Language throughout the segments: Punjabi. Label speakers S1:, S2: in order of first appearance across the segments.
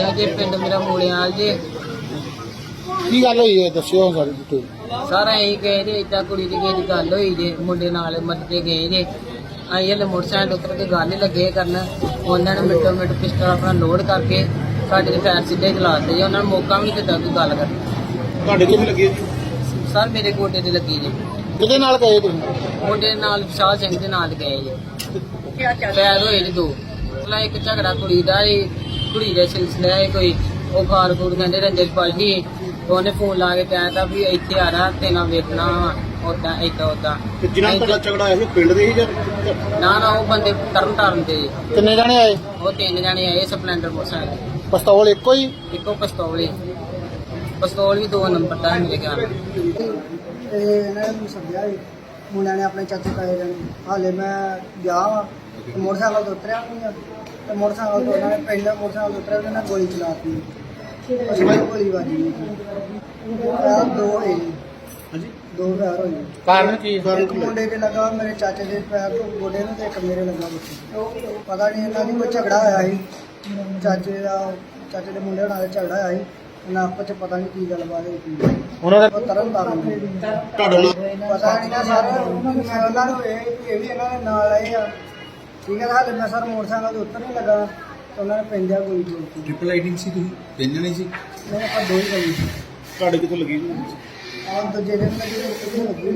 S1: ਜੀ ਪਿੰਡ ਮੇਰਾ ਮੂਲਿਆਲ ਜੀ।
S2: ਕੀ ਗੱਲ ਹੋਈ ਹੈ ਦੱਸਿਓ ਸਾਰੀ ਡਿਟੇਲ।
S1: ਸਾਰਾ ਇਹੀ ਕਹੇ ਜੀ ਏਦਾਂ ਕੁੜੀ ਦੀ ਕਿਸੇ ਦੀ ਗੱਲ ਹੋਈ ਜੇ ਮੁੰਡੇ ਨਾਲ ਮੱਤੇ ਗਏ ਜੇ ਅਸੀਂ ਹਲੇ ਮੋਟਰਸਾਈਕਲ ਉੱਤਰ ਕੇ ਗੱਲ ਹੀ ਲੱਗੇ ਕਰਨ। ਉਹਨਾਂ ਨੇ ਮਿੰਟੋ ਮਿੰਟ ਪਿਸਟਲ ਆਪਣਾ ਲੋਡ ਕਰਕੇ ਸਾਡੇ ਦੇ ਫੈਰ ਸਿੱਧੇ ਚਲਾਤੇ ਜੀ। ਉਹਨਾਂ ਨੂੰ ਮੌਕਾ ਵੀ ਨਹੀਂ ਦਿੱਤਾ ਕੋਈ ਗੱਲ ਕਰਨ।
S2: ਤੁਹਾਡੇ ਕਿੱਥੇ ਲੱਗੀ ਜੀ?
S1: ਸਰ ਮੇਰੇ ਗੋਡੇ ਤੇ ਲੱਗੀ ਜੀ।
S2: ਕਿਹਦੇ ਨਾਲ ਗਏ ਤੁਸੀਂ?
S1: ਮੁੰਡੇ ਨਾਲ ਵਿਸ਼ਾਲ ਸਿੰਘ ਦੇ ਨਾਲ ਗਏ ਜੀ। ਪੈਰ ਹੋਏ ਜੀ ਦੋ। ਪਹਿਲਾਂ ਇੱਕ ਝਗੜਾ ਕੁੜੀ ਦਾ ਜੀ, ਕੁੜੀ ਦੇ ਸਿਲਸਿਲੇ ਹੈ ਕੋਈ ਉਹ ਖਾਰ ਖੂਰ ਕਹਿੰਦੇ ਰੰਜਨ ਪਾਲੀ। ਉਹਨੇ ਫੋਨ ਲਾ ਕੇ ਕਹਿਤਾ ਵੀ ਇੱਥੇ ਆ ਰਹਾ ਤੇ ਨਾ ਵੇਖਣਾ ਉਦਾਂ ਏਦਾਂ ਉਦਾਂ।
S2: ਜਿਨ੍ਹਾਂ ਨਾਲ ਝਗੜਾ ਹੋਇਆ ਸੀ ਪਿੰਡ ਦੇ ਹੀ ਜਾਂ?
S1: ਨਾ ਉਹ ਬੰਦੇ ਤਰਨ ਤੇ ਜੀ।
S2: ਕਿੰਨੇ ਜਣੇ ਆਏ?
S1: ਉਹ 3 ਜਣੇ ਆਏ ਸਪਲੈਂਡਰ ਮੋਟਰਸਾਈਕਲ।
S2: ਪਿਸਤੌਲ ਇੱਕੋ ਹੀ?
S1: ਇੱਕੋ ਪਿਸਤੌਲ ਵੀ 2 ਨੰਬਰ ਦਾ ਮੇਰੇ ਖਿਆਲ।
S3: ਤੇ ਇਹਨਾਂ ਨੂੰ ਸੱਦਿਆ ਸੀ ਮੁੰਡਿਆਂ ਨੇ ਆਪਣੇ ਚਾਚੇ ਤਾਏ ਜਾਣੇ। ਹਾਲੇ ਮੈਂ ਗਿਆ ਵਾ ਤੇ ਮੋਟਰਸਾਈਕਲ ਤੋਂ ਉਤਰਿਆ ਨਹੀਂ ਆ ਤੇ ਮੋਟਰਸਾਈਕਲ ਤੋਂ ਉਹਨਾਂ ਨੇ ਪਹਿਲਾਂ ਮੋਟਰਸਾਈਕਲ ਤੋਂ ਉਤਰਿਆ ਉਹਨਾਂ ਨੇ ਗੋਲੀ ਚਲਾਤੀ। ਉਸ ਤੋਂ ਬਾਅਦ ਗੋਲੀ ਵੱਜ ਗਈ। ਦੋ ਹੋਏ ਜੀ।
S2: ਹਾਂਜੀ।
S3: 2 ਫੈਰ ਹੋਏ।
S2: ਕਾਰਨ ਕੀ?
S3: ਇੱਕ ਮੁੰਡੇ ਦੇ ਲੱਗਾ ਮੇਰੇ ਚਾਚੇ ਦੇ ਪੈਰ ਤੋਂ ਗੋਡੇ ਨੂੰ ਤੇ ਇੱਕ ਮੇਰੇ ਲੱਗਾ ਵਿੱਚ। ਪਤਾ ਨਹੀਂ ਇਹਨਾਂ ਦੀ ਕੋਈ ਝਗੜਾ ਹੋਇਆ ਸੀ ਚਾਚੇ ਦੇ ਮੁੰਡੇ ਨਾਲ ਝਗੜਾ ਹੋਇਆ ਸੀ। ਇਹਨਾਂ ਆਪਸ ਚ ਪਤਾ ਨਹੀਂ ਕੀ ਗੱਲਬਾਤ ਹੋਈ।
S2: ਉਹਨਾਂ ਦਾ
S3: ਉਹ ਤਰਨ ਤਾਰਨ
S2: ਤੁਹਾਡੇ ਨਾਲ
S3: ਪਤਾ ਨਹੀਂ ਨਾ ਸਰ। ਮੈਂ ਉਹਨਾਂ ਨੂੰ ਇਹ ਵੀ ਇਹਨਾਂ ਦੇ ਨਾਲ ਆਏ ਆ। ਠੀਕ ਹੈ। ਹਾਲੇ ਮੈਂ ਸਰ ਮੋਟਰਸਾਈਕਲ ਤੋਂ ਉੱਤਰ ਨਹੀਂ ਲੱਗਾ ਤੇ ਉਹਨਾਂ ਨੇ ਪੈਂਦਿਆ ਗੋਲੀ ਚੋਲਤੀ।
S2: ਟ੍ਰਿਪਲ ਆਈਡਿੰਗ ਸੀ ਤੁਸੀਂ? 3 ਜਣੇ ਸੀ?
S3: ਨਹੀਂ ਆਪਾਂ 2 ਹੀ ਗੋਲੀ ਸੀ।
S2: ਤੁਹਾਡੇ ਕਿੱਥੋਂ ਲੱਗੀ ਜੀ?
S3: ਆਹ ਦੂਜੇ ਦਿਨ ਲੱਗੀ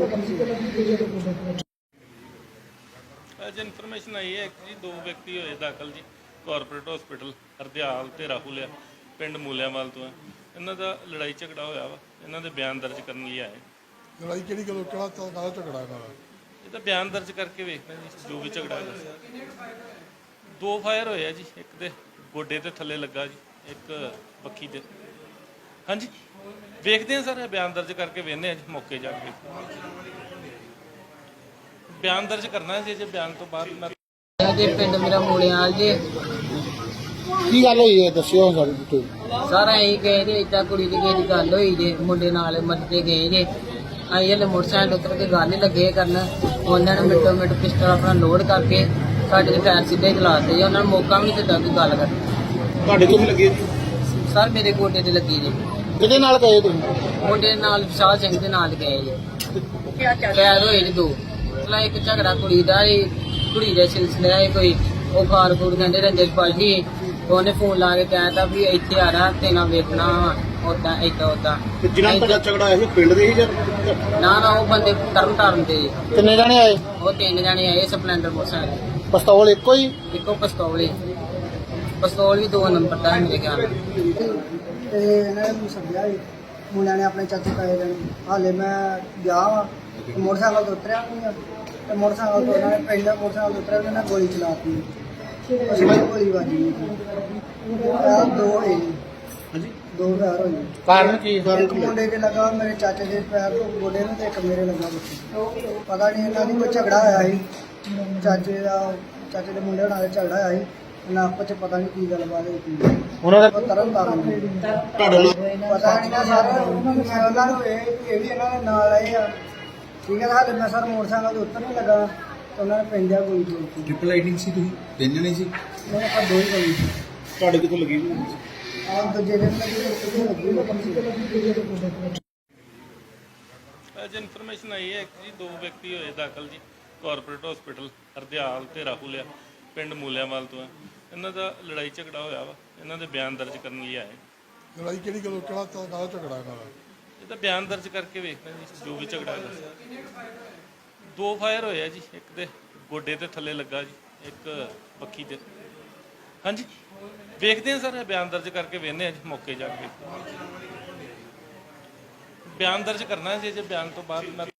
S4: ਅੱਜ ਇਨਫੋਰਮੇਸ਼ਨ ਆਈ ਹੈ ਕਿ ਜੀ 2 ਵਿਅਕਤੀ ਹੋਏ ਦਾਖਲ ਜੀ ਕਾਰਪੋਰੇਟ ਹਸਪੀਟਲ ਹਰਦਿਆਲ ਤੇ ਰਾਹੁਲ ਆ ਪਿੰਡ ਮੂਲਿਆਂਵਾਲ ਤੋਂ ਹੈ। ਇਹਨਾਂ ਦਾ ਲੜਾਈ ਝਗੜਾ ਹੋਇਆ ਵਾ। ਇਹਨਾਂ ਦੇ ਬਿਆਨ ਦਰਜ ਕਰਨ ਲਈ ਆਏ।
S2: ਲੜਾਈ ਕਿਹੜੀ ਗੱਲ? ਕਿਹੜਾ ਝਗੜਾ ਇਹਨਾਂ ਦਾ?
S4: ਇਹ ਤਾਂ ਬਿਆਨ ਦਰਜ ਕਰਕੇ ਵੇਖਦੇ ਜੀ ਜੋ ਵੀ ਝਗੜਾ ਹੈਗਾ। 2 ਫਾਇਰ ਹੋਏ ਆ ਜੀ। ਇੱਕ ਦੇ ਗੋਡੇ ਤੇ ਥੱਲੇ ਲੱਗਾ ਜੀ, ਇੱਕ ਬੱਖੀ ਦੇ। ਹਾਂਜੀ ਵੇਖਦੇ ਆ ਸਰ, ਇਹ ਬਿਆਨ ਦਰਜ ਕਰਕੇ ਵੇਖਦੇ ਆ ਜੀ ਮੌਕੇ ਜਾ ਕੇ। ਬਿਆਨ ਦਰਜ ਕਰਨਾ ਜੀ। ਜੇ ਬਿਆਨ ਤੋਂ ਬਾਅਦ ਮੈਂ
S1: ਜੀ ਪਿੰਡ ਮੇਰਾ ਮੂਲਿਆਲ ਜੀ।
S2: ਕੀ ਗੱਲ ਹੋਈ ਹੈ ਦੱਸਿਓ ਸਾਰੀ ਡਿਟੇਲ।
S1: ਸਾਰਾ ਇਹੀ ਕਹੇ ਜੀ ਏਦਾਂ ਕੁੜੀ ਦੀ ਕਿਸੇ ਦੀ ਗੱਲ ਹੋਈ ਜੇ ਮੁੰਡੇ ਨਾਲ ਮੱਤੇ ਗਏ ਜੇ ਅਸੀਂ ਹਲੇ ਮੋਟਰਸਾਈਕਲ ਉੱਤਰ ਕੇ ਗੱਲ ਹੀ ਲੱਗੇ ਕਰਨ। ਉਹਨਾਂ ਨੇ ਮਿੰਟੋ ਮਿੰਟ ਪਿਸਟਲ ਆਪਣਾ ਲੋਡ ਕਰਕੇ ਸਾਡੇ ਦੇ ਫੈਰ ਸਿੱਧੇ ਚਲਾਤੇ ਜੀ। ਉਹਨਾਂ ਨੂੰ ਮੌਕਾ ਵੀ ਨਹੀਂ ਦਿੱਤਾ ਕੋਈ ਗੱਲ ਕਰਨ।
S2: ਤੁਹਾਡੇ ਕਿੱਥੇ ਲੱਗੀ ਜੀ?
S1: ਸਰ ਮੇਰੇ ਗੋਡੇ ਤੇ ਲੱਗੀ ਜੀ।
S2: ਕਿਹਦੇ ਨਾਲ ਗਏ ਤੁਸੀਂ?
S1: ਮੁੰਡੇ ਨਾਲ ਵਿਸ਼ਾਲ ਸਿੰਘ ਦੇ ਨਾਲ ਗਏ ਜੀ। ਪੈਰ ਹੋਏ ਜੀ 2। ਪਹਿਲਾਂ ਇੱਕ ਝਗੜਾ ਕੁੜੀ ਦਾ ਜੀ, ਕੁੜੀ ਦੇ ਸਿਲਸਿਲੇ ਹੈ ਕੋਈ ਉਹ ਖਾਰ ਖੂਰ ਕਹਿੰਦੇ ਰੰਜਨ ਪਾਲੀ। ਉਹਨੇ ਫੋਨ ਲਾ ਕੇ ਕਹਿਤਾ ਵੀ ਇੱਥੇ ਆ ਰਹਾ ਤੇ ਨਾ ਵੇਖਣਾ ਉਦਾਂ ਏਦਾਂ ਉਦਾਂ।
S2: ਜਿਨ੍ਹਾਂ ਨਾਲ ਝਗੜਾ ਹੋਇਆ ਸੀ ਪਿੰਡ ਦੇ ਹੀ ਜਾਂ?
S1: ਨਾ ਉਹ ਬੰਦੇ ਤਰਨ ਤੇ ਜੀ।
S2: ਕਿੰਨੇ ਜਣੇ ਆਏ?
S1: ਉਹ 3 ਜਣੇ ਆਏ ਸਪਲੈਂਡਰ ਮੋਟਰਸਾਈਕਲ।
S2: ਪਿਸਤੌਲ ਇੱਕੋ ਹੀ?
S1: ਇੱਕੋ ਪਿਸਤੌਲ ਵੀ 2 ਨੰਬਰ ਦਾ ਮੇਰੇ ਖਿਆਲ।
S3: ਤੇ ਇਹਨਾਂ ਨੂੰ ਸੱਦਿਆ ਸੀ ਮੁੰਡਿਆਂ ਨੇ ਆਪਣੇ ਚਾਚੇ ਤਾਏ ਜਾਣੇ। ਹਾਲੇ ਮੈਂ ਗਿਆ ਵਾ ਤੇ ਮੋਟਰਸਾਈਕਲ ਤੋਂ ਉਤਰਿਆ ਨਹੀਂ ਆ ਤੇ ਮੋਟਰਸਾਈਕਲ ਤੋਂ ਉਹਨਾਂ ਨੇ ਪਹਿਲਾਂ ਮੋਟਰਸਾਈਕਲ ਤੋਂ ਉਤਰਿਆ ਉਹਨਾਂ ਨੇ ਗੋਲੀ ਚਲਾਤੀ। ਉਸ ਤੋਂ ਬਾਅਦ ਗੋਲੀ ਵੱਜ ਗਈ। 2 ਹੋਏ ਜੀ।
S2: ਹਾਂਜੀ।
S3: 2 ਫੈਰ ਹੋਏ।
S2: ਕਾਰਨ ਕੀ?
S3: ਇੱਕ ਮੁੰਡੇ ਦੇ ਲੱਗਾ ਮੇਰੇ ਚਾਚੇ ਦੇ ਪੈਰ ਤੋਂ ਗੋਡੇ ਨੂੰ ਤੇ ਇੱਕ ਮੇਰੇ ਲੱਗਾ ਵਿੱਚ। ਪਤਾ ਨਹੀਂ ਇਹਨਾਂ ਦੀ ਕੋਈ ਝਗੜਾ ਹੋਇਆ ਸੀ ਚਾਚੇ ਦੇ ਮੁੰਡੇ ਨਾਲ ਝਗੜਾ ਹੋਇਆ ਸੀ। ਇਹਨਾਂ ਆਪਸ ਚ ਪਤਾ ਨਹੀਂ ਕੀ ਗੱਲਬਾਤ ਹੋਈ।
S2: ਉਹਨਾਂ ਦਾ
S3: ਉਹ ਤਰਨ ਤਾਰਨ
S2: ਤੁਹਾਡੇ ਨਾਲ
S3: ਪਤਾ ਨਹੀਂ ਨਾ ਸਰ। ਮੈਂ ਉਹਨਾਂ ਨੂੰ ਇਹ ਵੀ ਇਹਨਾਂ ਦੇ ਨਾਲ ਆਏ ਆ। ਠੀਕ ਹੈ। ਹਾਲੇ ਮੈਂ ਸਰ ਮੋਟਰਸਾਈਕਲ ਤੋਂ ਉੱਤਰ ਨਹੀਂ ਲੱਗਾ ਤੇ ਉਹਨਾਂ ਨੇ ਪੈਂਦਿਆ ਗੋਲੀ ਚੋਲਤੀ।
S2: ਟ੍ਰਿਪਲ ਆਈਡਿੰਗ ਸੀ ਤੁਸੀਂ? 3 ਜਣੇ ਸੀ?
S3: ਨਹੀਂ ਆਪਾਂ 2 ਹੀ ਗੋਲੀ ਸੀ।
S2: ਤੁਹਾਡੇ ਕਿੱਥੋਂ ਲੱਗੀ ਜੀ?
S3: ਆਹ ਦੂਜੇ ਦਿਨ ਲੱਗੀ।
S4: ਅੱਜ ਇਨਫੋਰਮੇਸ਼ਨ ਆਈ ਹੈ ਕਿ ਜੀ 2 ਵਿਅਕਤੀ ਹੋਏ ਦਾਖਲ ਜੀ ਕਾਰਪੋਰੇਟ ਹਸਪੀਟਲ ਹਰਦਿਆਲ ਤੇ ਰਾਹੁਲ ਆ ਪਿੰਡ ਮੂਲਿਆਂਵਾਲ ਤੋਂ ਹੈ। ਇਹਨਾਂ ਦਾ ਲੜਾਈ ਝਗੜਾ ਹੋਇਆ ਵਾ। ਇਹਨਾਂ ਦੇ ਬਿਆਨ ਦਰਜ ਕਰਨ ਲਈ ਆਏ।
S2: ਲੜਾਈ ਕਿਹੜੀ ਗੱਲ? ਕਿਹੜਾ ਝਗੜਾ ਇਹਨਾਂ ਦਾ?
S4: ਇਹ ਤਾਂ ਬਿਆਨ ਦਰਜ ਕਰਕੇ ਵੇਖਦੇ ਜੀ ਜੋ ਵੀ ਝਗੜਾ ਹੈਗਾ। 2 ਫਾਇਰ ਹੋਏ ਆ ਜੀ। ਇੱਕ ਦੇ ਗੋਡੇ ਤੇ ਥੱਲੇ ਲੱਗਾ ਜੀ, ਇੱਕ ਬੱਖੀ ਦੇ। ਹਾਂਜੀ ਵੇਖਦੇ ਆ ਸਰ, ਇਹ ਬਿਆਨ ਦਰਜ ਕਰਕੇ ਵੇਖਦੇ ਆ ਜੀ ਮੌਕੇ ਜਾ ਕੇ। ਬਿਆਨ ਦਰਜ ਕਰਨਾ ਜੀ। ਜੇ ਬਿਆਨ ਤੋਂ ਬਾਅਦ ਮੈਂ